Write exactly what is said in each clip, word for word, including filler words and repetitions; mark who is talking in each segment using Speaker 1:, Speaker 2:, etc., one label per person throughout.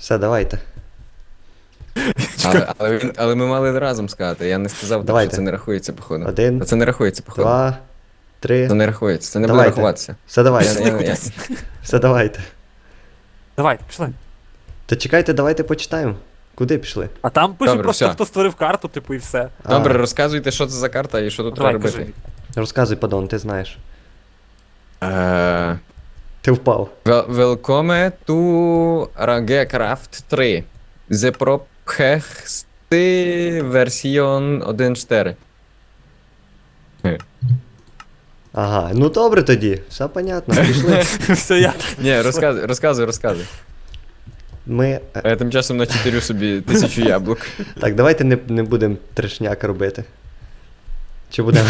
Speaker 1: Все, давайте.
Speaker 2: Але, але, він- але ми мали разом сказати, я не сказав, так,
Speaker 1: Давайте.
Speaker 2: що це не рахується, походу.
Speaker 1: Один,
Speaker 2: Та це не рахується, походу.
Speaker 1: два, три.
Speaker 2: Це не рахується, це не буде
Speaker 1: Давайте.
Speaker 2: рахуватися.
Speaker 1: Все, давайте.
Speaker 2: Я- я- я-
Speaker 1: Все, давайте.
Speaker 3: Давайте, пішли.
Speaker 1: Та чекайте, давайте почитаємо. Куди пішли?
Speaker 3: А там пише
Speaker 2: Добре,
Speaker 3: просто,
Speaker 2: все.
Speaker 3: хто створив карту, типу, і все.
Speaker 2: Добре,
Speaker 1: А,
Speaker 2: розказуйте, що це за карта і що тут
Speaker 3: Давай,
Speaker 2: треба
Speaker 3: кажи.
Speaker 2: робити.
Speaker 1: розказуй, падон, ти знаєш.
Speaker 2: Е,
Speaker 1: Ти впав.
Speaker 2: Wel- Welcome to Ragecraft три. The Prophexty Version один точка чотири.
Speaker 1: Ага, ну добре тоді. Все понятно, пішли.
Speaker 3: Все я.
Speaker 2: Ні, розказуй, розказуй, розказуй.
Speaker 1: Ми. е,
Speaker 2: А я тим часом начитирю собі тисячу яблук.
Speaker 1: Так, давайте не, не будемо трешняк робити. Чи будемо?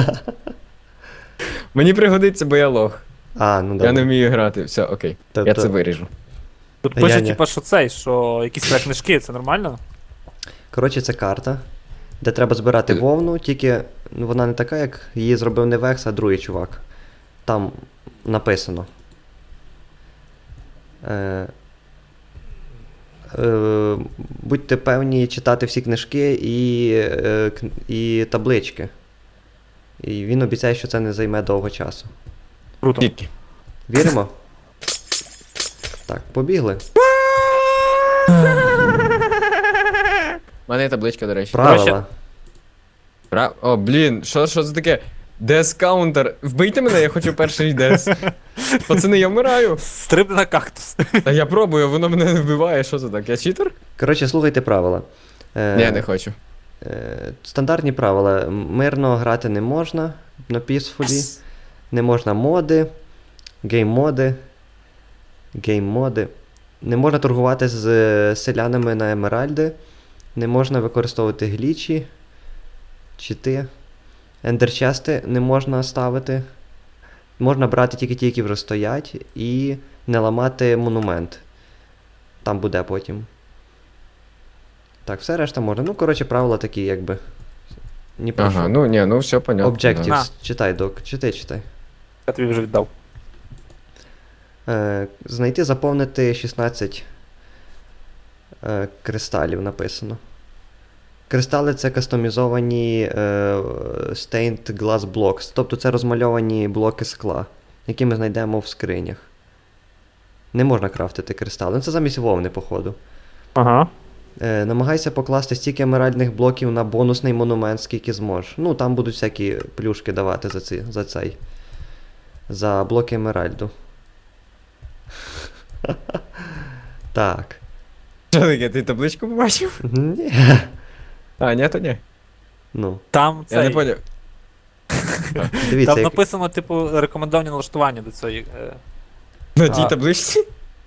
Speaker 2: Мені пригодиться, бо я лох.
Speaker 1: А, ну добре.
Speaker 2: Я не вмію грати. Все, окей.
Speaker 1: Тобто-
Speaker 2: Я це виріжу.
Speaker 3: Тут
Speaker 1: Я
Speaker 3: пише,
Speaker 1: ні.
Speaker 3: типу, що цей, що якісь треба книжки, це нормально?
Speaker 1: Коротше, це карта, де треба збирати
Speaker 2: Е.
Speaker 1: вовну, тільки ну, вона не така, як її зробив не Векс, а другий чувак. Там написано. Е, е, будьте певні читати всі книжки і, е, кн- і таблички. І він обіцяє, що це не займе довго часу.
Speaker 3: Круто.
Speaker 2: Тільки.
Speaker 1: Віримо? Так, побігли.
Speaker 2: У мене є табличка, до речі.
Speaker 1: Правила.
Speaker 2: Пра... О, блін, що, що це таке? Дес каунтер. Вбийте мене, я хочу перший дес. Пацани, я вмираю.
Speaker 3: Стрибни на кактус.
Speaker 2: Та я пробую, воно мене не вбиває. Що це так? Я читер?
Speaker 1: Коротше, слухайте правила. Е,
Speaker 2: Ні, не хочу.
Speaker 1: Е, Стандартні правила. Мирно грати не можна на пісфулі. Не можна моди, гейм-моди. Гейм-моди. Не можна торгувати з е, селянами на емеральди. Не можна використовувати глічі. Чити. Ендерчести не можна ставити. Можна брати тільки ті, які вже стоять. І не ламати монумент. Там буде потім. Так, все решта можна. Ну, коротше, правила такі, якби. Ні про
Speaker 2: Ага,
Speaker 1: що.
Speaker 2: ну ні, ну все понятно.
Speaker 1: Objectives.
Speaker 3: На.
Speaker 1: Читай, док. Читай, читай.
Speaker 3: Я тобі вже віддав.
Speaker 1: Е, знайти, заповнити шістнадцять е, кристалів написано. Кристали це кастомізовані е, stained glass blocks. Тобто це розмальовані блоки скла, які ми знайдемо в скринях. Не можна крафтити кристали. Ну це замість вовни, походу.
Speaker 3: Ага.
Speaker 1: Е, намагайся покласти стільки емеральних блоків на бонусний монумент, скільки зможеш. Ну, там будуть всякі плюшки давати за, ці, за цей. За блоки емеральду. Так.
Speaker 2: Що таке, ти табличку побачив?
Speaker 1: Ні.
Speaker 2: А, ні, то ні.
Speaker 1: Ну,
Speaker 3: Там
Speaker 2: Я не
Speaker 3: цей.
Speaker 2: поняв.
Speaker 1: дивіться,
Speaker 3: Там
Speaker 1: як...
Speaker 3: написано, типу, рекомендовані налаштування до цієї. е,
Speaker 2: На
Speaker 3: А.
Speaker 2: тій табличці?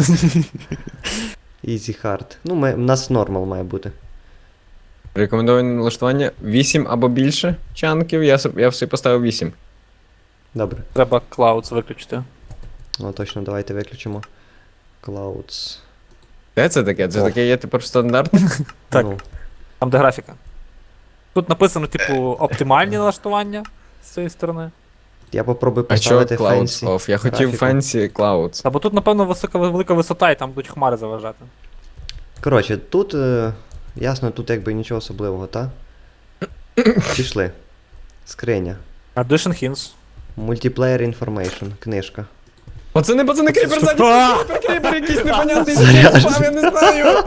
Speaker 1: Easy hard. Ну, ми... у нас нормал має бути.
Speaker 2: Рекомендоване налаштування вісім або більше чанків. Я, соб- я все поставив вісім.
Speaker 1: Добре.
Speaker 3: Треба Clouds виключити.
Speaker 1: Ну, точно, давайте виключимо. Clouds.
Speaker 2: Де це таке? Це
Speaker 1: О.
Speaker 2: таке є тепер стандартне?
Speaker 3: Так.
Speaker 1: Ну,
Speaker 3: Там де графіка. Тут написано, типу, оптимальні налаштування з цієї сторони.
Speaker 1: я попробую
Speaker 2: А чого
Speaker 1: поставити
Speaker 2: Clouds
Speaker 1: fancy
Speaker 2: off? Я хотів
Speaker 1: графіку.
Speaker 2: Fancy Clouds.
Speaker 3: Або тут, напевно, висока велика висота і там будуть хмари заважати.
Speaker 1: Коротше, тут, е, ясно, тут якби нічого особливого, та? Пішли. Скриня.
Speaker 3: Addition Hints.
Speaker 1: Multiplayer Information, книжка.
Speaker 2: Пацани, пацани, кріпер ззаді!
Speaker 3: А!
Speaker 2: Кріпер, кріпер якийсь непонятний
Speaker 1: Заряджений.
Speaker 2: спав, я не знаю!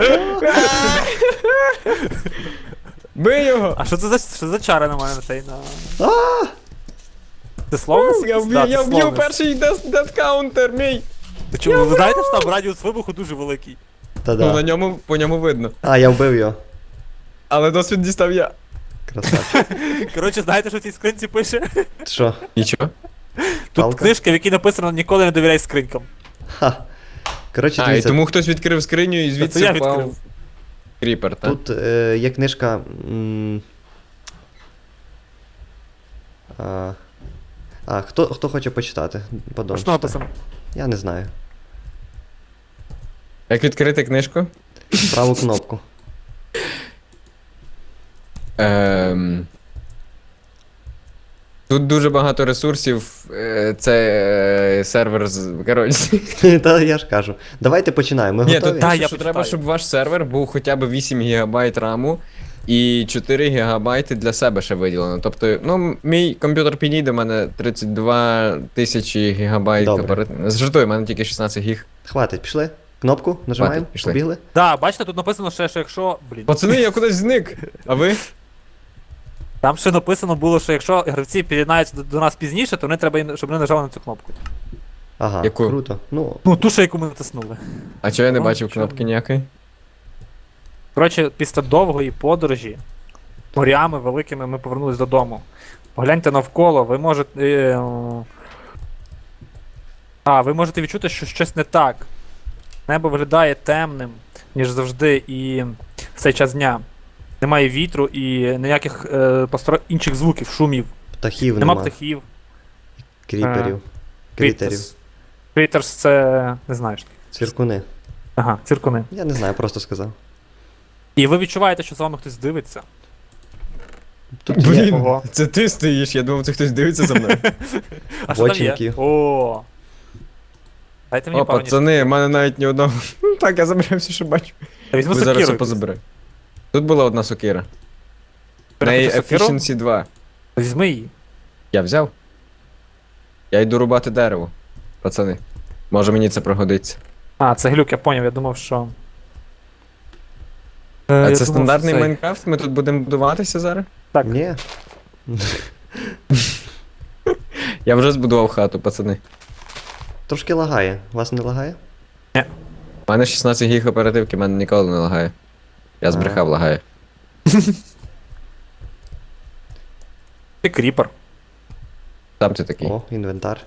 Speaker 2: Бий його!
Speaker 3: А що це за, що за чари на мене на цей на.
Speaker 1: А!
Speaker 3: Це словно?
Speaker 2: Я вб'ю, я вб'ю перший дед каунтер, мій!
Speaker 3: Ти чому, ви знаєте, що там радіус вибуху дуже великий?
Speaker 2: Ну, на
Speaker 1: Та-да.
Speaker 2: ньому, по ньому видно.
Speaker 1: А, я вбив його.
Speaker 2: Але досвід дістав я.
Speaker 1: Красавчик.
Speaker 3: Коротше, знаєте, що в цій скринці пише?
Speaker 1: Що?
Speaker 2: Нічого.
Speaker 3: Тут
Speaker 1: Палка?
Speaker 3: книжка, в якій написано ніколи не довіряй скринькам.
Speaker 1: Ха. Коротше,
Speaker 2: А, і
Speaker 1: дивіться,
Speaker 2: тому хтось відкрив скриню і
Speaker 3: Це
Speaker 2: звідси
Speaker 3: я
Speaker 2: впав
Speaker 3: відкрив.
Speaker 2: кріпер, так?
Speaker 1: тут е, є книжка. М, а, а хто, хто хоче почитати? Подон,
Speaker 3: Що
Speaker 1: читай.
Speaker 3: написано?
Speaker 1: Я не знаю.
Speaker 2: Як відкрити книжку?
Speaker 1: Праву кнопку.
Speaker 2: Ем... Тут дуже багато ресурсів, е, це е, сервер з. Коротше.
Speaker 1: Та я ж кажу. Давайте починаємо. Ми
Speaker 2: Ні,
Speaker 1: готові?
Speaker 2: тут
Speaker 3: Та,
Speaker 2: пише,
Speaker 3: я
Speaker 2: що
Speaker 3: почитаю.
Speaker 2: треба, щоб ваш сервер був хоча б вісім гігабайт раму і чотири гігабайти для себе ще виділено. Тобто, ну, мій комп'ютер підійде, в мене тридцять два тисячі гігабайт.
Speaker 1: Добре.
Speaker 2: оперативної- Жартую, в мене тільки шістнадцять гіг.
Speaker 1: Хватить, пішли. Кнопку нажимаємо,
Speaker 2: Хватить, пішли.
Speaker 1: побігли.
Speaker 3: Да, бачите, тут написано ще, що якщо. Блін.
Speaker 2: Пацани, я кудись зник. А ви?
Speaker 3: Там ще написано було, що якщо гравці під'єднаються до, до нас пізніше, то вони треба, їм- щоб вони нажали на цю кнопку.
Speaker 1: Ага,
Speaker 2: Яку?
Speaker 1: круто. Ну,
Speaker 3: Ну, ту, що яку ми натиснули.
Speaker 2: А чого я не
Speaker 3: Ну,
Speaker 2: бачив
Speaker 3: чому?
Speaker 2: кнопки ніякої?
Speaker 3: Коротше, після довгої подорожі морями великими ми повернулись додому. Погляньте навколо, ви можете. Е, о, а, ви можете відчути, що щось не так. Небо виглядає темним, ніж завжди, і в цей час дня. Немає вітру і ніяких е, постро... інших звуків, шумів.
Speaker 1: птахів
Speaker 3: Нема
Speaker 1: нема.
Speaker 3: птахів.
Speaker 1: Кріперів. Крітерів.
Speaker 3: Крітерс це. Не знаєш.
Speaker 1: Цвіркуни.
Speaker 3: Ага, циркуни.
Speaker 1: Я не знаю, просто сказав.
Speaker 3: І ви відчуваєте, що з вами хтось дивиться.
Speaker 1: Тут є
Speaker 2: Блін,
Speaker 3: Ого.
Speaker 2: це ти стоїш, я думав, це хтось дивиться за мною.
Speaker 3: А що там
Speaker 1: Боченьки.
Speaker 3: є? О. Дайте мені
Speaker 2: О,
Speaker 3: пару
Speaker 2: пацани, в мене навіть ні одного. Ну, Так, я забираю все, що бачу.
Speaker 3: ніж. Візьму
Speaker 2: Ви зараз
Speaker 3: сокиру.
Speaker 2: все позабираю. Тут була одна сокира. В неї
Speaker 3: Сокиру?
Speaker 2: Efficiency два.
Speaker 3: Візьми її.
Speaker 2: Я взяв. Я йду рубати дерево. Пацани. Може мені це пригодиться.
Speaker 3: А, це глюк, я поняв, я думав, що. Е,
Speaker 2: А
Speaker 3: я
Speaker 2: це
Speaker 3: думав,
Speaker 2: стандартний
Speaker 3: що цей.
Speaker 2: Майнкрафт? Ми тут будемо будуватися зараз?
Speaker 3: Так.
Speaker 1: Ні.
Speaker 2: Я вже збудував хату, пацани.
Speaker 1: Трошки лагає. Вас не лагає?
Speaker 2: У мене шістнадцять гіг оперативки, в мене ніколи не лагає. Я збрехав, лагає.
Speaker 3: Ти кріпер.
Speaker 2: Сам ти такий.
Speaker 1: О, інвентар.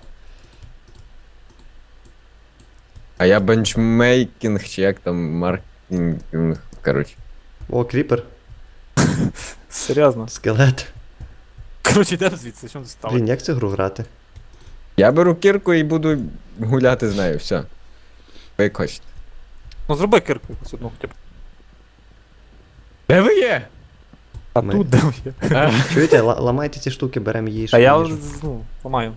Speaker 2: А я бенчмейкінг, чи як там маркінг. Коротше.
Speaker 1: О, кріпер.
Speaker 3: Серйозно.
Speaker 1: Скелет.
Speaker 3: Коротше, йдемо звідси, що ти став?
Speaker 1: Блін, як цю гру грати?
Speaker 2: Я беру кірку і буду гуляти з нею, все. Ви як хочете.
Speaker 3: Ну зроби кирку якусь одну хоча б.
Speaker 2: Де ви є?
Speaker 3: А
Speaker 1: Ми.
Speaker 3: тут де є?
Speaker 2: А,
Speaker 1: Чуєте, ла- ламайте ці штуки, беремо їжу.
Speaker 3: А я
Speaker 1: їжу.
Speaker 3: ну, ламаю.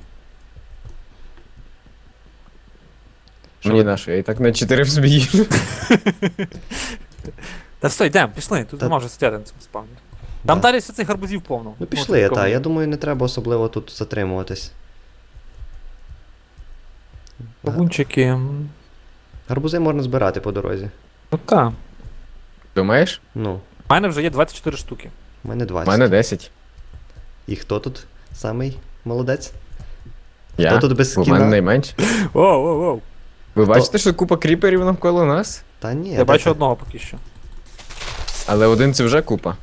Speaker 1: Що
Speaker 2: Мені
Speaker 1: ви-
Speaker 2: нашу, я і так на чотири в собі їжу.
Speaker 3: Та все, йдемо, пішли, тут
Speaker 1: Та-
Speaker 3: нема вже стояти на цьому спавні. Там
Speaker 1: Да.
Speaker 3: далі все цих гарбузів повно.
Speaker 1: Ну пішли,
Speaker 3: тут
Speaker 1: та.
Speaker 3: нікого
Speaker 1: Я
Speaker 3: ні.
Speaker 1: думаю, не треба особливо тут затримуватись.
Speaker 3: Кавунчики. м,
Speaker 1: Гарбузи можна збирати по дорозі.
Speaker 3: Ну та.
Speaker 2: Думаєш?
Speaker 1: Ну,
Speaker 3: У мене вже є двадцять чотири штуки.
Speaker 1: в мене
Speaker 2: У
Speaker 1: двадцять.
Speaker 2: мене десять.
Speaker 1: І хто тут самий молодець?
Speaker 2: Я?
Speaker 1: Хто тут без
Speaker 2: У мене
Speaker 1: скіна?
Speaker 2: найменше.
Speaker 3: Воу, воу, воу.
Speaker 2: Ви бачите, що купа кріперів навколо нас?
Speaker 1: Та ні,
Speaker 3: Я
Speaker 1: де
Speaker 3: бачу
Speaker 1: ти?
Speaker 3: одного поки що.
Speaker 2: Але один це вже купа.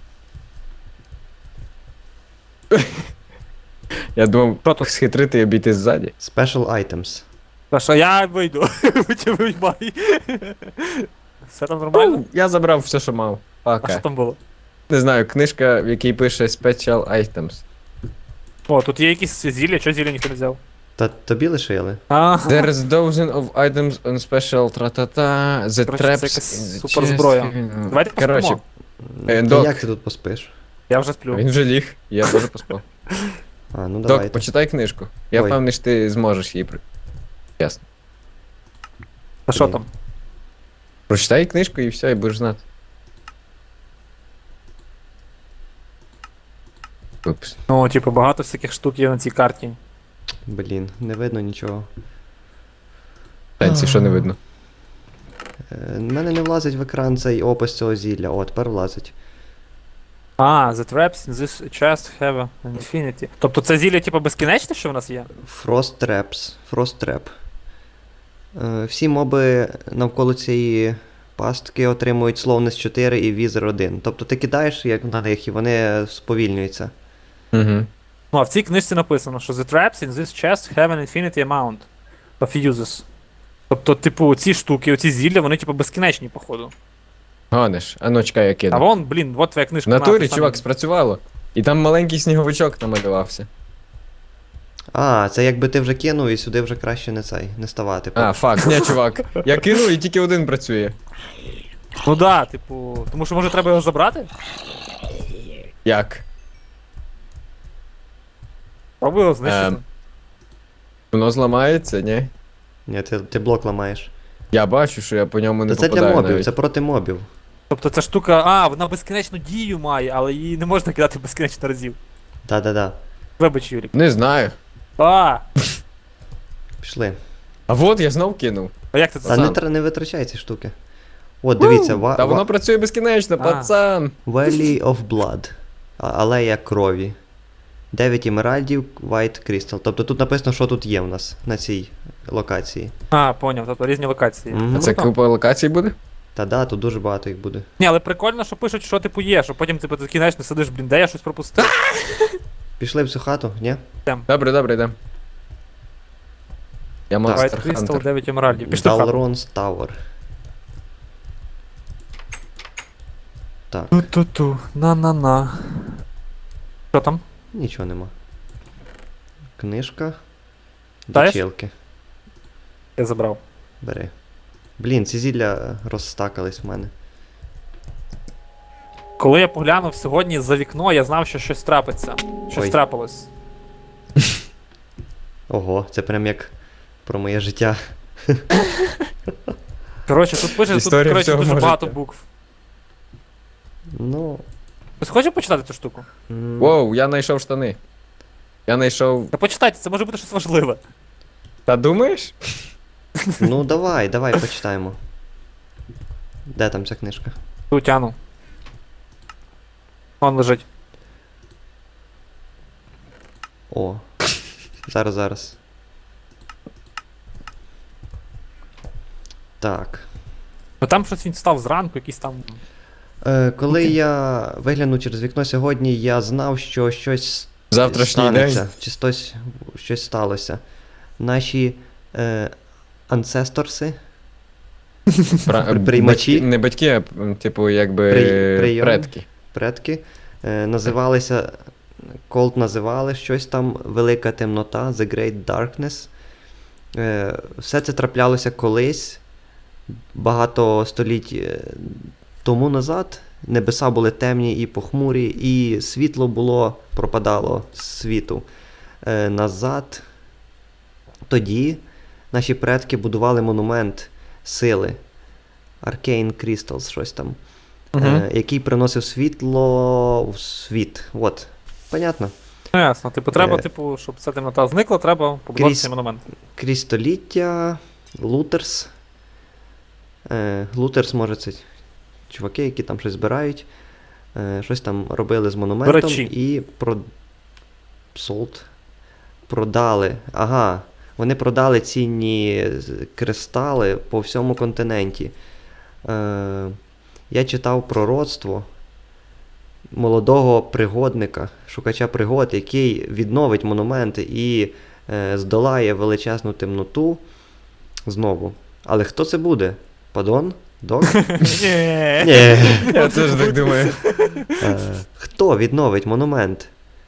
Speaker 2: Я думав,
Speaker 3: Що тут?
Speaker 2: схитрити і обійти ззаді.
Speaker 1: Special items.
Speaker 3: Та що я вийду. Витя виймай. Все там нормально?
Speaker 2: Ну, я забрав все, що мав.
Speaker 3: А що
Speaker 2: Пока.
Speaker 3: там було?
Speaker 2: Не знаю, книжка, в якій пише Special Items.
Speaker 3: О, тут є якісь зілля, що зілля ніхто не взяв?
Speaker 1: Та тобі лишили?
Speaker 3: А,
Speaker 2: There is dozen of items on special тра-та-та, the
Speaker 3: Коротше,
Speaker 2: traps
Speaker 3: це якась
Speaker 2: in the
Speaker 3: суперзброя.
Speaker 2: chest.
Speaker 3: Давайте
Speaker 2: Коротше,
Speaker 3: поспимо.
Speaker 2: Е,
Speaker 1: Та
Speaker 2: док.
Speaker 1: як ти тут поспиш?
Speaker 3: Я вже сплю.
Speaker 2: він вже ліг, я теж поспав.
Speaker 1: А, ну
Speaker 2: Док,
Speaker 1: давайте.
Speaker 2: почитай книжку. Я
Speaker 1: Ой.
Speaker 2: впевнений, що ти зможеш її при. Ясно.
Speaker 3: А що
Speaker 1: Блін.
Speaker 3: там?
Speaker 2: Прочитай книжку і все, і будеш знати. Упс.
Speaker 3: Ну, типу, багато всяких штук є на цій карті.
Speaker 1: Блін, не видно нічого.
Speaker 2: Танці, що не видно.
Speaker 1: Е, в мене не влазить в екран цей опис цього зілля. О, тепер влазить.
Speaker 3: А, the traps in this chest have an infinity. Тобто це зілля, типу, безкінечне, що в нас є?
Speaker 1: Frost Traps. Frost Trap. Е, всі моби навколо цієї пастки отримують Slowness чотири і Wither один. Тобто ти кидаєш як на них і вони сповільнюються.
Speaker 2: Угу.
Speaker 3: Ну, а в цій книжці написано, що the traps in this chest have an infinity amount of uses. Тобто, типу, ці штуки, оці зілля, вони, типу, безкінечні, походу.
Speaker 2: Гониш, а ну чекай, я
Speaker 3: А
Speaker 2: кину.
Speaker 3: вон, блін, от твоя
Speaker 2: В
Speaker 3: книжка.
Speaker 2: натурі,
Speaker 3: на, ти сам-
Speaker 2: чувак, спрацювало. І там маленький сніговичок намалювався.
Speaker 1: А, це якби ти вже кинув і сюди вже краще не цей, не ставати.
Speaker 2: А, факт, ні, чувак. Я кинув і тільки один працює.
Speaker 3: Ну да, типу, тому що може треба його забрати?
Speaker 2: Як?
Speaker 3: Пробую його знищити.
Speaker 2: Ем. Воно зламається, ні?
Speaker 1: Ні, ти, ти блок ламаєш.
Speaker 2: Я бачу, що я по ньому не
Speaker 1: Та це
Speaker 2: попадаю
Speaker 1: для мобів,
Speaker 2: навіть.
Speaker 1: це проти мобів.
Speaker 3: Тобто ця штука, а, вона безкінечну дію має, але її не можна кидати безкінечно разів.
Speaker 1: Да-да-да.
Speaker 3: Вибач, Юрік.
Speaker 2: Не знаю.
Speaker 3: А,
Speaker 1: Пішли.
Speaker 2: А от я знов кинув.
Speaker 3: а як ти це
Speaker 1: Та не,
Speaker 3: сам?
Speaker 1: тр- не витрачай ці штуки. От, дивіться, ва-
Speaker 2: Та
Speaker 1: ва-
Speaker 2: воно працює безкінечно,
Speaker 3: А.
Speaker 2: пацан.
Speaker 1: Valley of Blood. А- Алея крові. дев'ять емеральдів, White Crystal. Тобто тут написано, що тут є в нас на цій локації.
Speaker 3: А, поняв, тобто різні локації.
Speaker 1: Мгм.
Speaker 2: А це
Speaker 3: Круто.
Speaker 2: купа локацій буде?
Speaker 1: Та да, тут дуже багато їх буде.
Speaker 3: Ні, але прикольно, що пишуть, що типу є, що потім типу, ти кінечно сидиш, блін, де я щось пропустив.
Speaker 1: Пішли в цю хату, ні?
Speaker 2: Добре, добре, йдемо. Я
Speaker 3: White
Speaker 2: монстр
Speaker 3: Crystal,
Speaker 2: Хантер.
Speaker 3: дев'ять емеральдів. Пішли в хату.
Speaker 1: Dalron's Tower. Так,
Speaker 3: Ту-ту-ту, на-на-на. Що там?
Speaker 1: нічого нема. Книжка.
Speaker 3: Даєш?
Speaker 1: Дочілки.
Speaker 3: Я забрав.
Speaker 1: Бери. Блін, ці зілля розстакались в мене.
Speaker 3: Коли я поглянув сьогодні за вікно, я знав, що щось трапиться. Щось
Speaker 1: Ой.
Speaker 3: трапилось.
Speaker 1: Ого, це прям як про моє життя.
Speaker 3: Коротше, тут пише, тут
Speaker 2: Історія
Speaker 3: коротше,
Speaker 2: всього
Speaker 3: дуже
Speaker 2: мого
Speaker 3: багато
Speaker 2: життя.
Speaker 3: букв.
Speaker 1: Ну.
Speaker 3: Хтось хоче почитати цю штуку?
Speaker 1: м,
Speaker 2: Воу, я знайшов штани. Я знайшов.
Speaker 3: Та почитайте, це може бути щось важливе.
Speaker 2: Та думаєш?
Speaker 1: Ну давай, давай почитаємо. Де там ця книжка?
Speaker 3: Ту тяну. Вон лежить.
Speaker 1: О. Зараз, зараз. Так.
Speaker 3: Ну там щось він став зранку, якийсь там.
Speaker 1: Е, коли я виглянув через вікно сьогодні, я знав, що щось
Speaker 2: Завтрашній
Speaker 1: станеться,
Speaker 2: день.
Speaker 1: чи щось, щось сталося. Наші е, ансесторси,
Speaker 2: Пра-
Speaker 1: Приймачі?
Speaker 2: батьки- Не батьки, а м, типу, якби
Speaker 1: При- прийом.
Speaker 2: предки.
Speaker 1: предки, е, називалися, Колд називали щось там Велика темнота, The Great Darkness. Е, все це траплялося колись, багато століть е, тому назад. Небеса були темні і похмурі, і світло було, пропадало з світу. Е, назад. Тоді наші предки будували монумент сили. Arcane Crystals, щось там.
Speaker 3: Угу.
Speaker 1: Е, який приносив світло в світ. От. Понятно.
Speaker 3: Ну ясно, типу, треба,
Speaker 1: Е.
Speaker 3: типу, щоб ця темнота зникла, треба побудувати
Speaker 1: Крізь-
Speaker 3: цей монумент.
Speaker 1: Крізь століття, Лутерс. Е, Лутерс, може, це чуваки, які там щось збирають. Е, щось там робили з монументом
Speaker 3: речі.
Speaker 1: і про... Sold. Продали. Ага. Вони продали цінні з- кристали по всьому континенті. Е, я читав пророцтво молодого пригодника, шукача пригод, який відновить монументи і е, здолає величезну темноту знову. Але хто це буде? Падон? Док?
Speaker 3: Ні.
Speaker 1: Ні.
Speaker 2: Я теж так думаю.
Speaker 1: Е, Хто відновить монумент,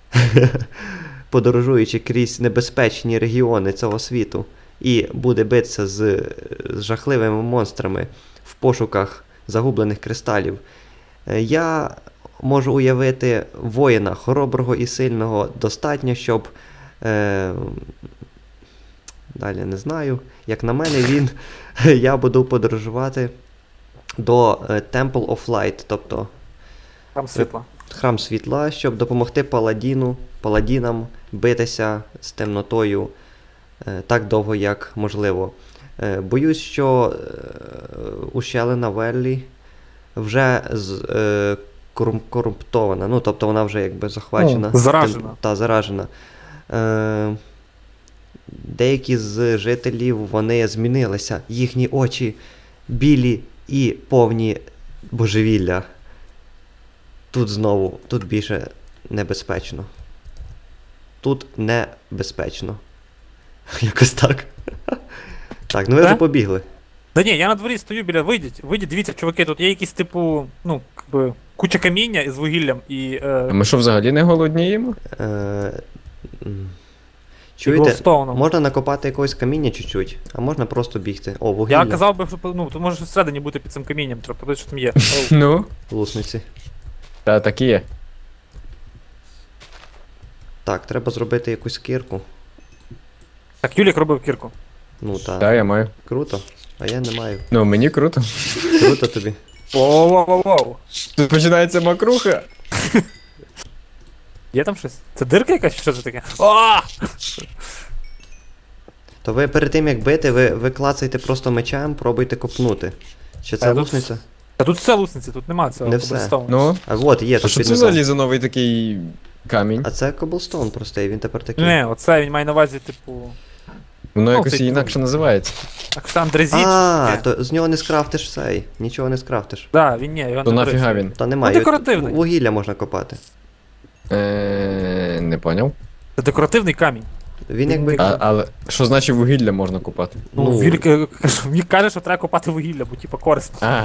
Speaker 1: подорожуючи крізь небезпечні регіони цього світу, і буде битися з, з жахливими монстрами в пошуках загублених кристалів? Е, Я можу уявити воїна хороброго і сильного достатньо, щоб. Е, далі не знаю. Як на мене, він. Я буду подорожувати до е, Temple of Light, тобто
Speaker 3: Там світло.
Speaker 1: храм світла, щоб допомогти паладіну, паладінам битися з темнотою е, так довго, як можливо. Е, боюсь, що е, ущелина Веллі вже з, е, корум- корумптована, ну, тобто вона вже якби захвачена.
Speaker 3: Ну, заражена.
Speaker 1: Тем- та, заражена. Е, деякі з жителів, вони змінилися, їхні очі білі і повні божевілля. Тут знову, тут більше небезпечно. Тут небезпечно. Якось так. Так, ну ви
Speaker 3: Е?
Speaker 1: вже побігли.
Speaker 3: Да ні, я на дворі стою біля, вийдіть, вийдіть, дивіться, чуваки, тут є якісь, типу, ну, якби, куча каміння із вугіллям і.
Speaker 2: А
Speaker 3: Е,
Speaker 2: ми що, взагалі не голодніємо?
Speaker 1: Е, м.
Speaker 3: і
Speaker 1: Чуєте,
Speaker 3: глоустоуном.
Speaker 1: можна накопати якогось каміння чуть-чуть, а можна просто бігти. О, вугілля.
Speaker 3: Я казав би, що ну, тут може щось всередині бути під цим камінням, треба подивитися, що там є. Оу.
Speaker 2: Ну,
Speaker 1: Лусниці.
Speaker 2: та так і є.
Speaker 1: Так, треба зробити якусь кірку.
Speaker 3: Так, Юлік робив кірку.
Speaker 1: Ну та.
Speaker 2: Так, я маю.
Speaker 1: Круто. А я не маю.
Speaker 2: Ну, мені круто.
Speaker 1: Круто тобі.
Speaker 3: Воу-воу-воу.
Speaker 2: Тут починається макруха.
Speaker 3: Є там щось? Це дирка якась, чи що це таке? О!
Speaker 1: То ви перед тим як бити, ви, ви клацайте просто мечем, пробуйте копнути. Чи це
Speaker 3: Та тут-
Speaker 1: лусниця?
Speaker 3: Та тут все лусниці, тут нема цього
Speaker 1: Не все.
Speaker 3: коблстоуну.
Speaker 2: Ну,
Speaker 1: А от є
Speaker 2: а
Speaker 1: тут
Speaker 2: що
Speaker 1: під
Speaker 2: це
Speaker 1: низом.
Speaker 2: взагалі за новий такий камінь?
Speaker 1: А це коблстоун простий, він тепер такий.
Speaker 3: Не, оце він має на увазі, типу.
Speaker 2: Воно
Speaker 3: Ну,
Speaker 2: якось
Speaker 3: цей
Speaker 2: інакше називається.
Speaker 3: Так що андрезіт.
Speaker 1: А,
Speaker 3: таке.
Speaker 1: то з нього не скрафтиш цей. Нічого не скрафтиш.
Speaker 3: Да, він ні, його
Speaker 2: То
Speaker 3: не
Speaker 2: нафіга
Speaker 3: беруть.
Speaker 2: він?
Speaker 1: Та немає.
Speaker 3: Ну, декоративний.
Speaker 1: Вугілля можна копати.
Speaker 2: Е, Не поняв.
Speaker 3: Це декоративний камінь.
Speaker 1: Він якби.
Speaker 2: А, але що значить вугілля можна купати?
Speaker 3: Ну,
Speaker 1: Ну.
Speaker 3: Вілік е, каже- Вік каже, що треба копати вугілля, бо типа корисно.
Speaker 2: А,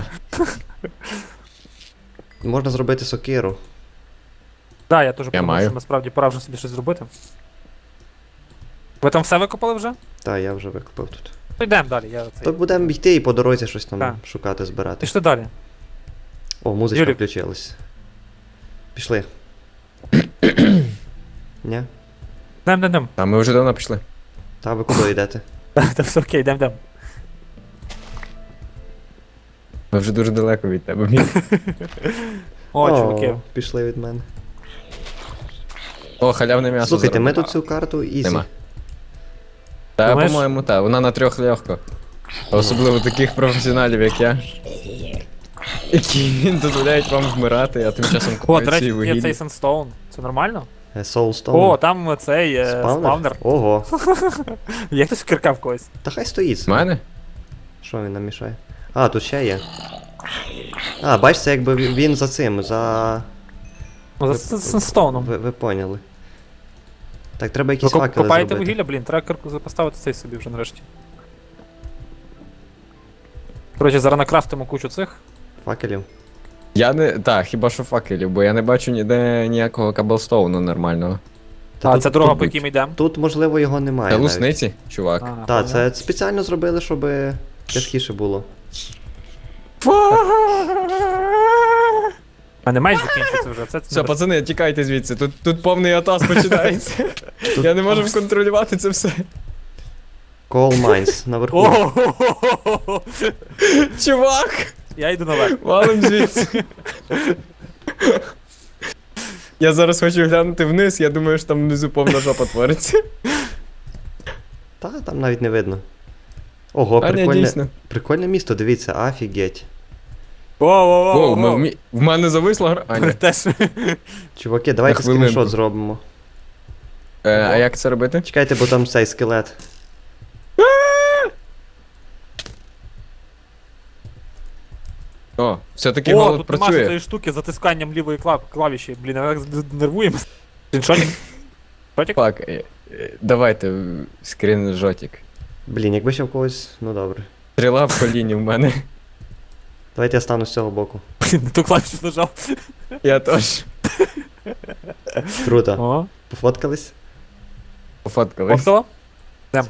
Speaker 1: Можна зробити сокиру.
Speaker 3: Да, я теж подумав,
Speaker 2: маю.
Speaker 3: що насправді пора вже собі щось зробити. Ви там все викопали вже?
Speaker 1: Та, я вже викопав тут.
Speaker 3: Ну йдемо далі, я
Speaker 1: То
Speaker 3: цей.
Speaker 1: будемо йти і по дорозі щось там
Speaker 3: Так.
Speaker 1: шукати, збирати.
Speaker 3: Пішли далі.
Speaker 1: О, музичка
Speaker 3: Юлік.
Speaker 1: включилась. Пішли. Ні?
Speaker 3: Йдем, йдем, йдем.
Speaker 2: а ми вже давно пішли.
Speaker 1: Та ви куди йдете?
Speaker 3: Та все окей, йдем, йдем.
Speaker 2: Ми вже дуже далеко від тебе. Мій.
Speaker 3: О, чуваки.
Speaker 1: Пішли від мене.
Speaker 2: О, халявне м'ясо.
Speaker 1: Слухайте, ми
Speaker 2: заробимо.
Speaker 1: тут цю карту ізі.
Speaker 2: Нема. Та,
Speaker 3: Думаєш?
Speaker 2: по-моєму, так. Вона на трьох легко. Особливо таких професіоналів, як я. Які дозволяють вам вмирати, а тим часом
Speaker 3: О,
Speaker 2: купують
Speaker 3: до
Speaker 2: ці
Speaker 3: речі, є
Speaker 2: вугілля.
Speaker 3: цей Sunstone. Це нормально?
Speaker 1: Е, Soulstone.
Speaker 3: О, там цей е, спавнер.
Speaker 1: Ого.
Speaker 3: Є хтось кирка в когось.
Speaker 1: Та хай стоїть.
Speaker 2: З мене?
Speaker 1: Що він нам мішає? А, тут ще є. А, бачиш, це якби він він за цим, за.
Speaker 3: Ну, за Sunstone.
Speaker 1: Ви, ви поняли. Так, треба
Speaker 3: Ви
Speaker 1: якісь
Speaker 3: коп-
Speaker 1: факели
Speaker 3: копаєте
Speaker 1: зробити.
Speaker 3: вугілля, блін, треба кирку поставити цей собі вже нарешті. Коротше, зараз накрафтимо кучу цих.
Speaker 1: Факелів.
Speaker 2: Я не. Так, хіба що факелів, бо я не бачу ніде ніякого каблстоуну нормального.
Speaker 1: Та
Speaker 3: а,
Speaker 1: тут,
Speaker 3: це дорога,
Speaker 2: тут
Speaker 3: по
Speaker 2: будь.
Speaker 3: якій ми йдемо.
Speaker 1: тут, можливо, його немає.
Speaker 2: Це
Speaker 1: навіть.
Speaker 2: лусниці, чувак.
Speaker 3: А,
Speaker 1: Та,
Speaker 3: понял.
Speaker 1: це спеціально зробили, щоб тяжкіше було.
Speaker 3: А не маєш закінчитися вже. Це,
Speaker 2: Все, пацани, тікайте звідси. Тут, тут повний атас починається. Я не можу контролювати це все.
Speaker 1: Coal Mines наверху.
Speaker 3: О,
Speaker 2: Чувак!
Speaker 3: я йду наверх.
Speaker 2: Валим звідси. Я зараз хочу глянути вниз, я думаю, що там внизу повна жопа твориться.
Speaker 1: Та, там навіть не видно. Ого,
Speaker 2: А не,
Speaker 1: прикольне,
Speaker 2: дійсно.
Speaker 1: прикольне місто, дивіться, офігеть.
Speaker 3: Воу-воу-воу.
Speaker 2: Воу, ми вмі... в мене зависла гра. А, ні.
Speaker 3: Теж.
Speaker 1: Чуваки, давайте
Speaker 2: На хвилинку.
Speaker 1: скріншот зробимо.
Speaker 2: Е, а як це робити?
Speaker 1: Чекайте, бо там цей скелет.
Speaker 2: О, все-таки
Speaker 3: О,
Speaker 2: голод
Speaker 3: тут нема
Speaker 2: працює.
Speaker 3: цієї штуки з затисканням лівої клав- клавіші. Блін, я так з- нервуємо. Скріншотик? Шотик?
Speaker 2: Так, е, е, давайте е, скріншотик.
Speaker 1: Блін, якби ще в когось. Ну добре.
Speaker 2: Стріла в коліні в мене.
Speaker 1: Давайте я стану з цього боку.
Speaker 3: Блін, не ту клавішу нажав.
Speaker 2: Я теж
Speaker 1: Круто.
Speaker 3: О,
Speaker 1: Пофоткались?
Speaker 2: пофоткались.
Speaker 3: Оптова? Йдемо.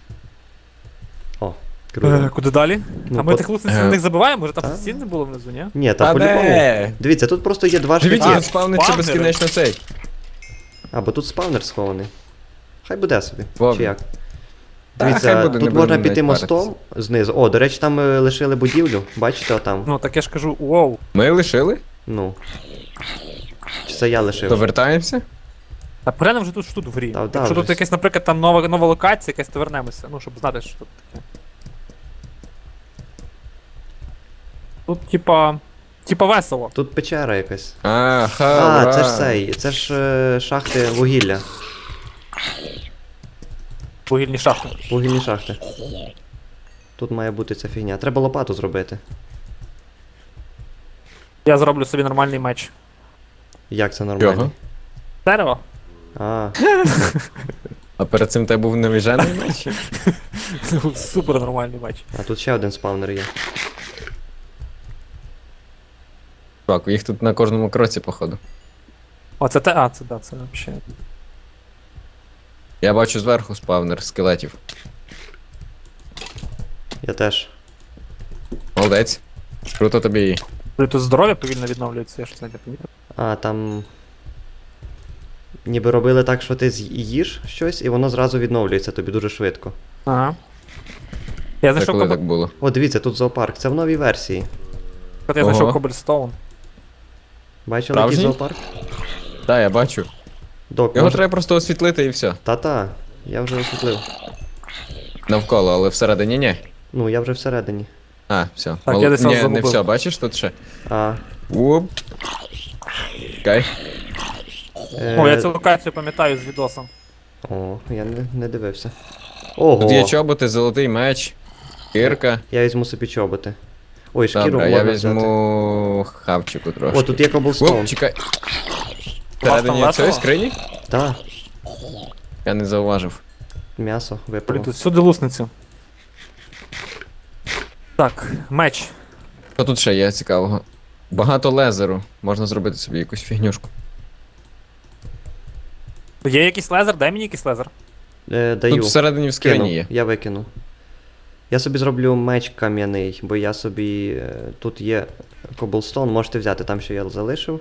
Speaker 1: О,
Speaker 3: Е,
Speaker 1: круто.
Speaker 3: Куди далі?
Speaker 1: Ну,
Speaker 3: А ми
Speaker 1: по-
Speaker 3: тих лусниць
Speaker 2: Е.
Speaker 3: на них забиваємо, може там
Speaker 1: Та.
Speaker 3: стін не було внизу, ні?
Speaker 1: Ні,
Speaker 2: А
Speaker 1: та по-любому.
Speaker 2: де?
Speaker 1: Дивіться, тут просто є два
Speaker 2: Дивіться,
Speaker 1: шляхи.
Speaker 2: тут спавниться
Speaker 3: спавнери.
Speaker 2: безкінечно цей.
Speaker 1: А, бо тут спавнер схований. Хай буде собі.
Speaker 2: Вовк.
Speaker 1: Чи як?
Speaker 2: Та,
Speaker 1: Дивіться,
Speaker 2: хай буде, не
Speaker 1: тут можна
Speaker 2: будемо
Speaker 1: піти
Speaker 2: навіть
Speaker 1: мостом знизу. О, до речі, там е, лишили будівлю. Бачите, отам.
Speaker 3: Ну, так я ж кажу, воу.
Speaker 2: Ми лишили?
Speaker 1: Ну. Чи це я лишив?
Speaker 2: То вертаємося?
Speaker 3: Та поглянемо вже тут що тут в грі.
Speaker 1: Та, да,
Speaker 3: Якщо тут
Speaker 1: вже.
Speaker 3: якась, наприклад, там нова, нова локація, якась, то вернемося. Ну, щоб знати, що тут таке. Тут, типа. Типа весело.
Speaker 1: Тут печера якась.
Speaker 2: А, ха,
Speaker 1: А,
Speaker 2: ура.
Speaker 1: це ж цей. Це ж е, шахти вугілля.
Speaker 3: Вугільні шахти.
Speaker 1: Вугільні шахти. Тут має бути ця фігня. Треба лопату зробити.
Speaker 3: Я зроблю собі нормальний меч.
Speaker 1: Як це нормально?
Speaker 2: Його.
Speaker 3: Дерево?
Speaker 1: А,
Speaker 2: А перед цим тебе був навіжений меч?
Speaker 3: Супер нормальний меч.
Speaker 1: а тут ще один спавнер є.
Speaker 2: Так, їх тут на кожному кроці, походу.
Speaker 3: О, це те. А, це да, це взагалі.
Speaker 2: Я бачу зверху спавнер скелетів.
Speaker 1: Я теж.
Speaker 2: Молодець. Круто тобі.
Speaker 3: Тут здоров'я повільно відновлюється, я щось не помітив.
Speaker 1: А, там. ніби робили так, що ти з'їш щось, і воно зразу відновлюється тобі дуже швидко.
Speaker 3: Ага. Я
Speaker 2: Це
Speaker 3: знайшов
Speaker 2: коли
Speaker 3: кобл...
Speaker 2: так було?
Speaker 1: О, дивіться, тут зоопарк. Це в новій версії.
Speaker 3: я знайшов
Speaker 2: Ого.
Speaker 3: Коблстоун.
Speaker 1: Бачили який
Speaker 2: Справжній?
Speaker 1: зоопарк?
Speaker 2: Так, я бачу.
Speaker 1: Док,
Speaker 2: Його
Speaker 1: може...
Speaker 2: треба просто освітлити і все.
Speaker 1: Та-та, я вже освітлив.
Speaker 2: Навколо, але всередині ні.
Speaker 1: Ну, я вже всередині.
Speaker 2: А, все.
Speaker 3: Так,
Speaker 2: Мол-
Speaker 3: я десь
Speaker 2: Ні,
Speaker 3: вас
Speaker 2: не
Speaker 3: загубив.
Speaker 2: все, бачиш тут ще?
Speaker 1: А,
Speaker 2: Уп. Чекай.
Speaker 1: е...
Speaker 3: О, я цю локацію пам'ятаю з відосом.
Speaker 1: О, я не, не дивився. Ого,
Speaker 2: Тут є чоботи, золотий меч, кирка.
Speaker 1: я візьму собі чоботи. Ой, шкіру
Speaker 2: Добре, я
Speaker 1: можна взяти.
Speaker 2: візьму хавчику трошки.
Speaker 1: О, тут є коблстоун.
Speaker 2: Оп, чекай.
Speaker 3: там
Speaker 2: Всередині
Speaker 3: весело?
Speaker 2: цієї скрині?
Speaker 1: Та,
Speaker 2: Я не зауважив.
Speaker 1: м'ясо
Speaker 3: Блін,
Speaker 1: випало.
Speaker 3: тут всюди лусницю. Так, меч.
Speaker 2: Що тут ще є цікавого? Багато лезеру. Можна зробити собі якусь фігнюшку.
Speaker 3: Є якийсь лезер? Дай мені якийсь лезер.
Speaker 1: Е, даю.
Speaker 2: Тут всередині в скрині
Speaker 1: Кинув,
Speaker 2: є.
Speaker 1: я викину. Я собі зроблю меч кам'яний, бо я собі. е, Тут є коблстоун, можете взяти там, що я залишив.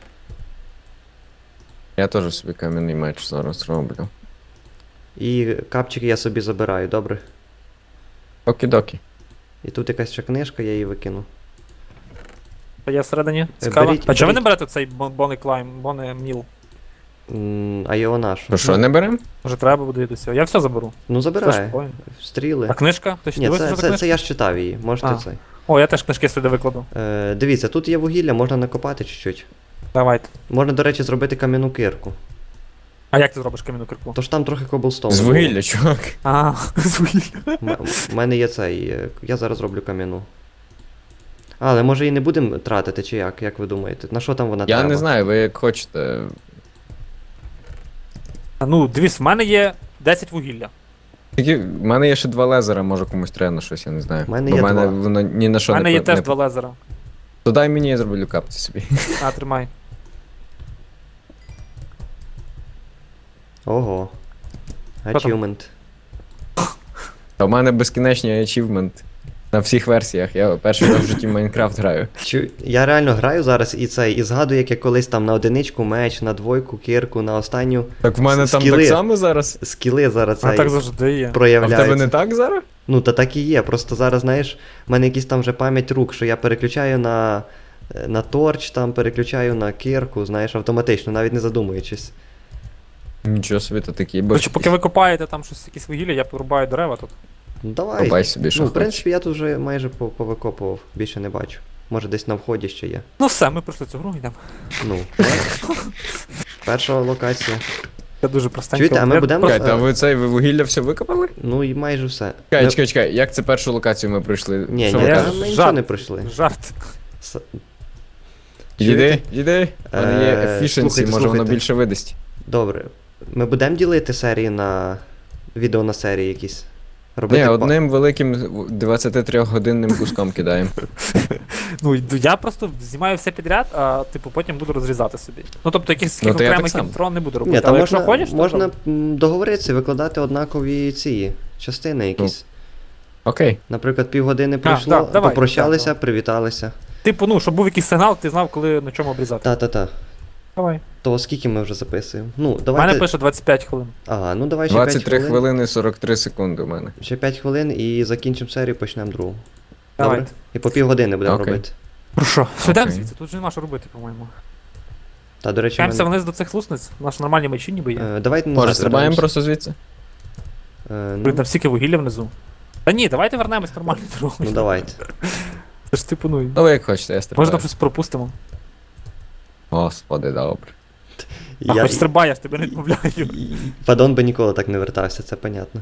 Speaker 2: Я теж собі кам'яний меч зараз роблю.
Speaker 1: І капчики я собі забираю, добре?
Speaker 2: Окі-докі.
Speaker 1: І тут якась ще книжка, я її викину.
Speaker 3: Та є всередині. Цікаво.
Speaker 1: беріть-
Speaker 3: а чого ви не
Speaker 1: беріть.
Speaker 3: берете цей Бонний Клайм, Бонний Міл?
Speaker 1: М, А його наш.
Speaker 2: То що, не берем?
Speaker 3: Може треба буде до цього. Я все заберу.
Speaker 1: Ну забирай.
Speaker 3: Флешпоінт.
Speaker 1: Стріли.
Speaker 3: А книжка? Ти ще
Speaker 1: Ні,
Speaker 3: дивився,
Speaker 1: це,
Speaker 3: що за
Speaker 1: це,
Speaker 3: книжка?
Speaker 1: це я ж читав її, можете
Speaker 3: А.
Speaker 1: цей.
Speaker 3: О, я теж книжки сюди викладу.
Speaker 1: Е, дивіться, тут є вугілля, можна накопати чуть-чуть.
Speaker 3: Давайте.
Speaker 1: Можна, до речі, зробити кам'яну кирку.
Speaker 3: А як ти зробиш кам'яну кирку?
Speaker 1: Тож там трохи коблстоуну.
Speaker 2: З
Speaker 1: було.
Speaker 2: вугілля, чувак.
Speaker 3: А, з вугілля.
Speaker 1: М- У мене є цей. е, Я зараз роблю кам'яну. А, але може і не будемо тратити, чи як? Як ви думаєте? На що там вона
Speaker 2: Я
Speaker 1: треба?
Speaker 2: не знаю, ви як хочете.
Speaker 3: А, Ну, дивись, в мене є десять вугілля.
Speaker 2: Тільки в мене є ще два лезера, може комусь треба на щось, я не знаю.
Speaker 1: В мене
Speaker 2: Бо
Speaker 1: є
Speaker 2: в мене
Speaker 1: два.
Speaker 2: воно ні на
Speaker 3: У
Speaker 2: що
Speaker 3: мене
Speaker 2: не
Speaker 3: є
Speaker 2: по-
Speaker 3: теж
Speaker 2: не...
Speaker 3: два лезера.
Speaker 2: То дай мені, я зроблю капці собі.
Speaker 3: А, тримай.
Speaker 1: Ого.
Speaker 3: Що там?
Speaker 1: Achievement.
Speaker 2: А в мене безкінечний ачівмент. На всіх версіях. Я перший раз в житті в Майнкрафт граю.
Speaker 1: Чу... Я реально граю зараз і цей, і згадую, як я колись там на одиничку меч, на двойку, кирку, на останню.
Speaker 2: Так в мене там
Speaker 1: Скіли.
Speaker 2: так само зараз?
Speaker 1: Скіли зараз
Speaker 3: А
Speaker 1: цей
Speaker 3: так завжди є.
Speaker 2: А в
Speaker 1: проявляються.
Speaker 2: тебе не так зараз?
Speaker 1: Ну, та так і є. Просто зараз, знаєш, в мене якісь там вже пам'ять рук, що я переключаю на, е, на торч, там переключаю на кирку, знаєш, автоматично, навіть не задумуючись.
Speaker 2: Нічого собі, то такі, бо
Speaker 3: Короче, поки ви копаєте там щось якісь вугілля, я порубаю дерева тут.
Speaker 1: Ну давай.
Speaker 2: копай собі, що
Speaker 1: Ну, в
Speaker 2: хочеш.
Speaker 1: принципі, я тут вже майже по- повикопував, більше не бачу. Може десь на вході ще є.
Speaker 3: Ну все, ми пройшли цю гру, йдемо.
Speaker 1: Ну. Перша локація.
Speaker 3: Це дуже простенько.
Speaker 1: Чуєте, а ми
Speaker 3: Я
Speaker 1: будемо-
Speaker 3: просто-
Speaker 2: Чекайте, а ви цей ви вугілля все викопали?
Speaker 1: Ну і майже все.
Speaker 2: Чекай,
Speaker 1: Ми-
Speaker 2: чекай, чекай, як це першу локацію ми пройшли?
Speaker 1: Ні,
Speaker 2: Що
Speaker 1: ні,
Speaker 2: ви
Speaker 3: я-
Speaker 1: та
Speaker 2: кажете?
Speaker 1: ми нічого
Speaker 3: жарт.
Speaker 1: не пройшли.
Speaker 3: Жарт.
Speaker 1: С-
Speaker 2: Йди, йди. У мене є
Speaker 1: Е,
Speaker 2: efficiency,
Speaker 1: слухайте,
Speaker 2: може воно
Speaker 1: слухайте.
Speaker 2: більше видасть.
Speaker 1: Добре. Ми будемо ділити серії на. Відео на серії якісь. Робити
Speaker 2: Ні,
Speaker 1: па-
Speaker 2: одним великим двадцятитрьохгодинним куском кидаємо.
Speaker 3: Ну, йду- я просто знімаю все підряд, а типу потім буду розрізати собі. Ну тобто якихось
Speaker 2: Ну,
Speaker 3: таких
Speaker 2: то я так
Speaker 3: окремих
Speaker 2: само.
Speaker 3: інтро не буду робити.
Speaker 1: Ні, там
Speaker 3: Але
Speaker 1: можна,
Speaker 3: якщо хочеш, то
Speaker 1: можна
Speaker 3: добре.
Speaker 1: м, договоритися, викладати однакові ці частини якісь.
Speaker 2: Окей.
Speaker 1: Наприклад, півгодини пройшло,
Speaker 3: да, давай,
Speaker 1: попрощалися,
Speaker 3: да, да.
Speaker 1: привіталися.
Speaker 3: Типу, ну, щоб був якийсь сигнал, ти знав, коли на чому обрізати.
Speaker 1: Та-та-та.
Speaker 3: Давай.
Speaker 1: То скільки ми вже записуємо? Ну,
Speaker 3: У мене
Speaker 1: давайте.
Speaker 3: пише двадцять п'ять хвилин.
Speaker 1: Ага, ну давай ще
Speaker 2: двадцять три
Speaker 1: п'ять хвилин.
Speaker 2: хвилини сорок три секунди у мене.
Speaker 1: Ще п'ять хвилин і закінчимо серію, почнемо другу.
Speaker 3: Давайте.
Speaker 1: Добре? І по півгодини будемо
Speaker 2: Окей.
Speaker 1: робити.
Speaker 3: Про що? Йдемо
Speaker 2: Окей.
Speaker 3: звідси, тут же нема що робити, по-моєму.
Speaker 1: Та, до речі,
Speaker 3: Чаємося
Speaker 1: мене...
Speaker 3: вниз до цих лусниць, наші нормальні мечі ніби є.
Speaker 1: е, давайте назад
Speaker 2: Може, стрибаємо
Speaker 1: вернемось.
Speaker 2: просто звідси?
Speaker 1: Е,
Speaker 3: Блін,
Speaker 1: ну,
Speaker 3: там стільки вугілля внизу. Та ні, давайте вернемось нормальною дорогою.
Speaker 1: ну давайте.
Speaker 3: Це ж типу, ну.
Speaker 2: Ну ви як хочете, я
Speaker 3: Може
Speaker 2: стрибаю.
Speaker 3: там щось пропустимо.
Speaker 2: Господи, добре.
Speaker 3: А
Speaker 1: Я-
Speaker 3: хоч стрибай, я ж тебе не відмовляю.
Speaker 1: і- Падон би ніколи так не вертався, це понятно.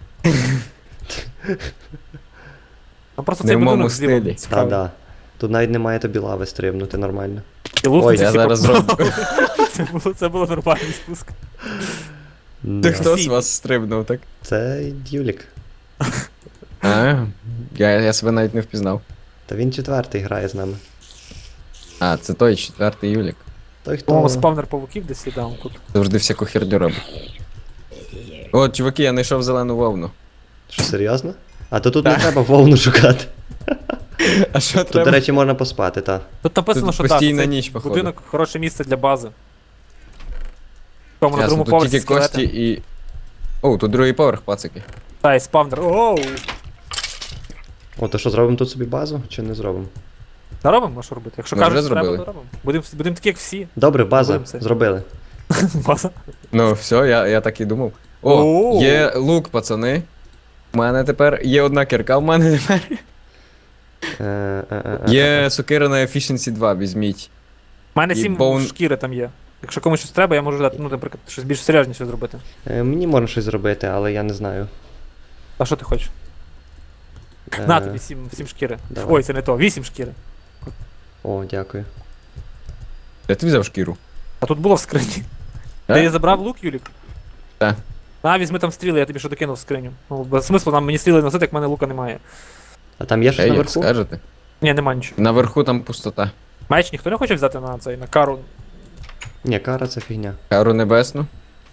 Speaker 3: Там просто
Speaker 2: Не
Speaker 3: цей
Speaker 2: в моєму
Speaker 3: будинок зліва
Speaker 2: стилі.
Speaker 3: цікавий.
Speaker 1: Та-да. Тут навіть немає тобі лави стрибнути нормально.
Speaker 3: І лусниці
Speaker 1: Ой,
Speaker 2: я
Speaker 3: всі
Speaker 2: зараз
Speaker 3: попали. Це було, це було нормальний спуск.
Speaker 1: Да.
Speaker 2: Ти хто з
Speaker 3: Всі.
Speaker 2: вас стрибнув, так?
Speaker 1: Це Дюлік.
Speaker 2: А, я, я себе навіть не впізнав.
Speaker 1: Та він четвертий грає з нами.
Speaker 2: А, це той четвертий Юлік.
Speaker 1: Той, хто.
Speaker 3: По-моєму, спавнер павуків десь є там тут.
Speaker 2: Завжди всяку херню робить. О, чуваки, я знайшов зелену вовну.
Speaker 1: Що, серйозно? А то тут не треба вовну шукати.
Speaker 2: А що
Speaker 1: Тут, до
Speaker 2: треба?
Speaker 1: речі, можна поспати, та.
Speaker 3: Тут написано,
Speaker 2: Тут
Speaker 3: що
Speaker 2: постійна
Speaker 3: так,
Speaker 2: ніч,
Speaker 3: цей
Speaker 2: походу.
Speaker 3: будинок хороше місце для бази. Тому на
Speaker 2: Ясно,
Speaker 3: другому
Speaker 2: тут
Speaker 3: поверсі
Speaker 2: тільки кості
Speaker 3: скелети.
Speaker 2: і. О, тут другий поверх, пацики.
Speaker 3: Та, і спавнер. Оу!
Speaker 1: О, то що, зробимо тут собі базу чи не зробимо?
Speaker 3: Наробимо, а що робити? Якщо
Speaker 2: Ми
Speaker 3: кажуть,
Speaker 2: вже
Speaker 3: що треба,
Speaker 2: зробили.
Speaker 3: то робимо. Будемо будем такі, як всі.
Speaker 1: Добре, база,
Speaker 3: Зробимо це.
Speaker 1: зробили.
Speaker 3: База.
Speaker 2: Ну, все, я, я так і думав. О,
Speaker 3: О!
Speaker 2: є лук, пацани. У мене тепер є одна кірка, в мене тепер.
Speaker 1: Е, е, е, е,
Speaker 2: Є сокира на Efficiency два, візьміть.
Speaker 3: У мене
Speaker 2: І
Speaker 3: сім
Speaker 2: боун-
Speaker 3: шкіри там є. Якщо комусь щось треба, я можу дати, ну, наприклад, щось більш серйозніше зробити.
Speaker 1: Е, Мені можна щось зробити, але я не знаю.
Speaker 3: А що ти хочеш?
Speaker 1: Е,
Speaker 3: На тобі сім, сім шкіри.
Speaker 1: давай.
Speaker 3: Ой, це не то, вісім шкіри.
Speaker 1: О, дякую.
Speaker 2: Де ти взяв шкіру?
Speaker 3: А тут було в скрині.
Speaker 2: Е?
Speaker 3: Ти забрав лук, Юлік?
Speaker 2: Так.
Speaker 3: На, візьми там стріли, я тобі що докинув в скриню. Ну, без смислу нам мені стріли носити, як в мене лука немає.
Speaker 1: А там є щось
Speaker 2: Ей, як
Speaker 1: наверху?
Speaker 2: скажете.
Speaker 3: Ні, нема нічого.
Speaker 2: Наверху там пустота.
Speaker 3: Меч ніхто не хоче взяти на цей, на кару.
Speaker 1: Ні, кара це фігня.
Speaker 2: Кару небесну.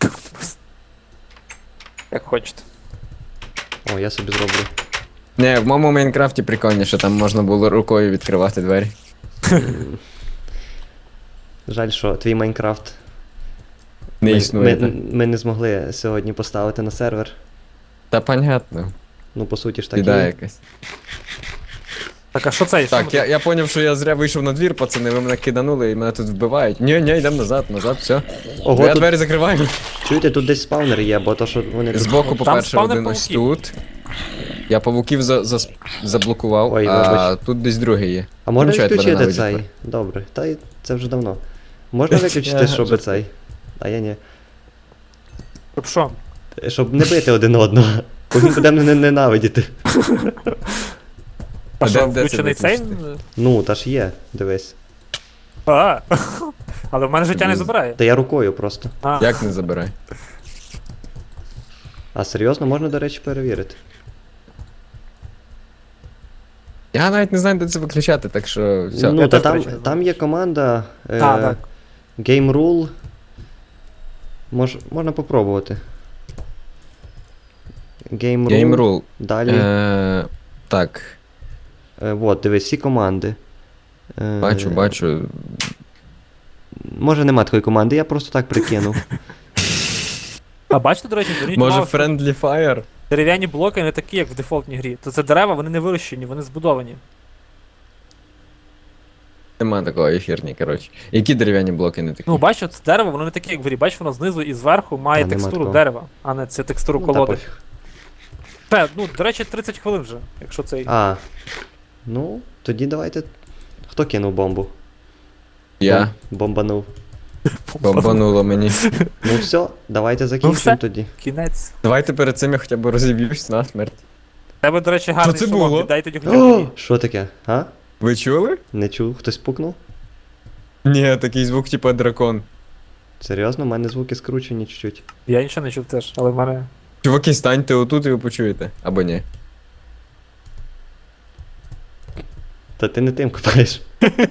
Speaker 3: Як хочете.
Speaker 1: О, я собі зроблю.
Speaker 2: Не, в моєму Майнкрафті прикольніше, там можна було рукою відкривати двері.
Speaker 1: Жаль, що твій Майнкрафт.
Speaker 2: Не
Speaker 1: ми,
Speaker 2: існує.
Speaker 1: Ми,
Speaker 2: так.
Speaker 1: ми не змогли сьогодні поставити на сервер.
Speaker 2: Та понятно,
Speaker 1: Ну, по суті ж так
Speaker 2: біда
Speaker 1: є.
Speaker 2: якась.
Speaker 3: Так, а що це? Що
Speaker 2: Так,
Speaker 3: ми
Speaker 2: я,
Speaker 3: тут?
Speaker 2: я поняв, що я зря вийшов на двір, пацани, ви мене киданули і мене тут вбивають. Ні, ні, йдемо назад, назад, все.
Speaker 1: Ого,
Speaker 2: я
Speaker 1: тут,
Speaker 2: двері закриваю.
Speaker 1: чуєте, тут десь спавнер є, бо то, що вони...
Speaker 2: Збоку, по-перше,
Speaker 3: спавнер
Speaker 2: один ось
Speaker 3: павуків.
Speaker 2: тут. Я павуків за, за, заблокував,
Speaker 1: Ой,
Speaker 2: а
Speaker 1: вибач.
Speaker 2: тут десь другий є.
Speaker 1: А можна
Speaker 2: Нічого, я тебе
Speaker 1: відключити
Speaker 2: ненавиджу
Speaker 1: цей?
Speaker 2: тепер.
Speaker 1: Добре, та й це вже давно. Можна виключити,
Speaker 2: Я
Speaker 1: щоб
Speaker 2: жартую.
Speaker 1: цей. А я ні.
Speaker 3: Щоб що?
Speaker 1: Щоб не бити один одного. Бо він буде мене ненавидіти.
Speaker 3: А
Speaker 2: А
Speaker 3: що,
Speaker 2: де- де це
Speaker 3: включений цей?
Speaker 2: виключити?
Speaker 1: Ну, та ж є, дивись.
Speaker 3: А, але в мене життя не
Speaker 2: Блін.
Speaker 3: забирає.
Speaker 1: Та я рукою просто.
Speaker 3: А,
Speaker 2: Як не забирай?
Speaker 1: А серйозно, можна, до речі, перевірити.
Speaker 2: Я навіть не знаю, де це виключати, так що все.
Speaker 1: Ну,
Speaker 3: Я
Speaker 1: та
Speaker 3: теж, до
Speaker 1: там,
Speaker 3: речі, не знаю.
Speaker 1: там є команда е,
Speaker 3: А, так.
Speaker 1: Game Rule. Мож, можна попробувати. Game Rule.
Speaker 2: Game Rule.
Speaker 1: Далі.
Speaker 2: Е, так,
Speaker 1: Е, вот, дивись, всі команди. Е,
Speaker 2: бачу, бачу.
Speaker 1: Може нема такої команди, я просто так прикинув.
Speaker 3: А бачите, до речі, зверніть
Speaker 2: Може
Speaker 3: увагу, що
Speaker 2: Friendly Fire?
Speaker 3: дерев'яні блоки не такі, як в дефолтній грі. То це дерева, вони не вирощені, вони збудовані.
Speaker 2: Нема такого ефірні, коротше. Які дерев'яні блоки не такі?
Speaker 3: Ну, бачиш, це дерево, воно не таке, як в грі. Бачиш, воно знизу і зверху має
Speaker 1: А, нема
Speaker 3: текстуру
Speaker 1: такого.
Speaker 3: дерева, а не це текстуру
Speaker 1: Ну, та
Speaker 3: колоди.
Speaker 1: пофіг.
Speaker 3: Те, ну, до речі, тридцять хвилин вже, якщо цей.
Speaker 1: А. Ну, тоді давайте. Хто кинув бомбу?
Speaker 2: Я.
Speaker 1: Бом- Бомбанув.
Speaker 2: Бомбануло мені.
Speaker 1: Ну все, давайте
Speaker 3: все.
Speaker 1: закінчимо тоді.
Speaker 3: Кінець.
Speaker 2: Давайте перед цим я хоча б розіб'юсь на смерть.
Speaker 3: У тебе, до речі, гарний
Speaker 2: це
Speaker 3: шолом,
Speaker 2: було?
Speaker 3: віддай тоді хоча б
Speaker 1: О,
Speaker 3: мені.
Speaker 1: що таке? А?
Speaker 2: Ви чули?
Speaker 1: Не чув? Хтось пукнув?
Speaker 2: Ні, такий звук, типа дракон.
Speaker 1: Серйозно, у мене звуки скручені чуть-чуть.
Speaker 3: Я нічого не чув теж, але в мене.
Speaker 2: Чуваки, станьте отут і ви почуєте. Або ні.
Speaker 1: Та ти не тим копаєш.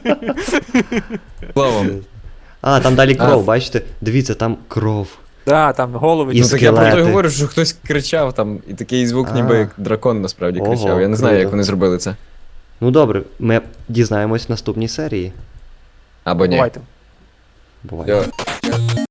Speaker 2: Словом.
Speaker 1: А, там далі
Speaker 2: А.
Speaker 1: кров, бачите? Дивіться, там кров.
Speaker 3: Да, там голови.
Speaker 1: І
Speaker 2: Ну так я про те
Speaker 1: скелети.
Speaker 2: говорю, що хтось кричав там, і такий звук,
Speaker 1: А.
Speaker 2: ніби як дракон насправді
Speaker 1: Ого,
Speaker 2: кричав. Я не знаю, як
Speaker 1: круто.
Speaker 2: вони зробили це.
Speaker 1: Ну добре, ми дізнаємось в наступній серії.
Speaker 2: Або ні.
Speaker 3: Бувайте.
Speaker 1: Буває.
Speaker 2: Все.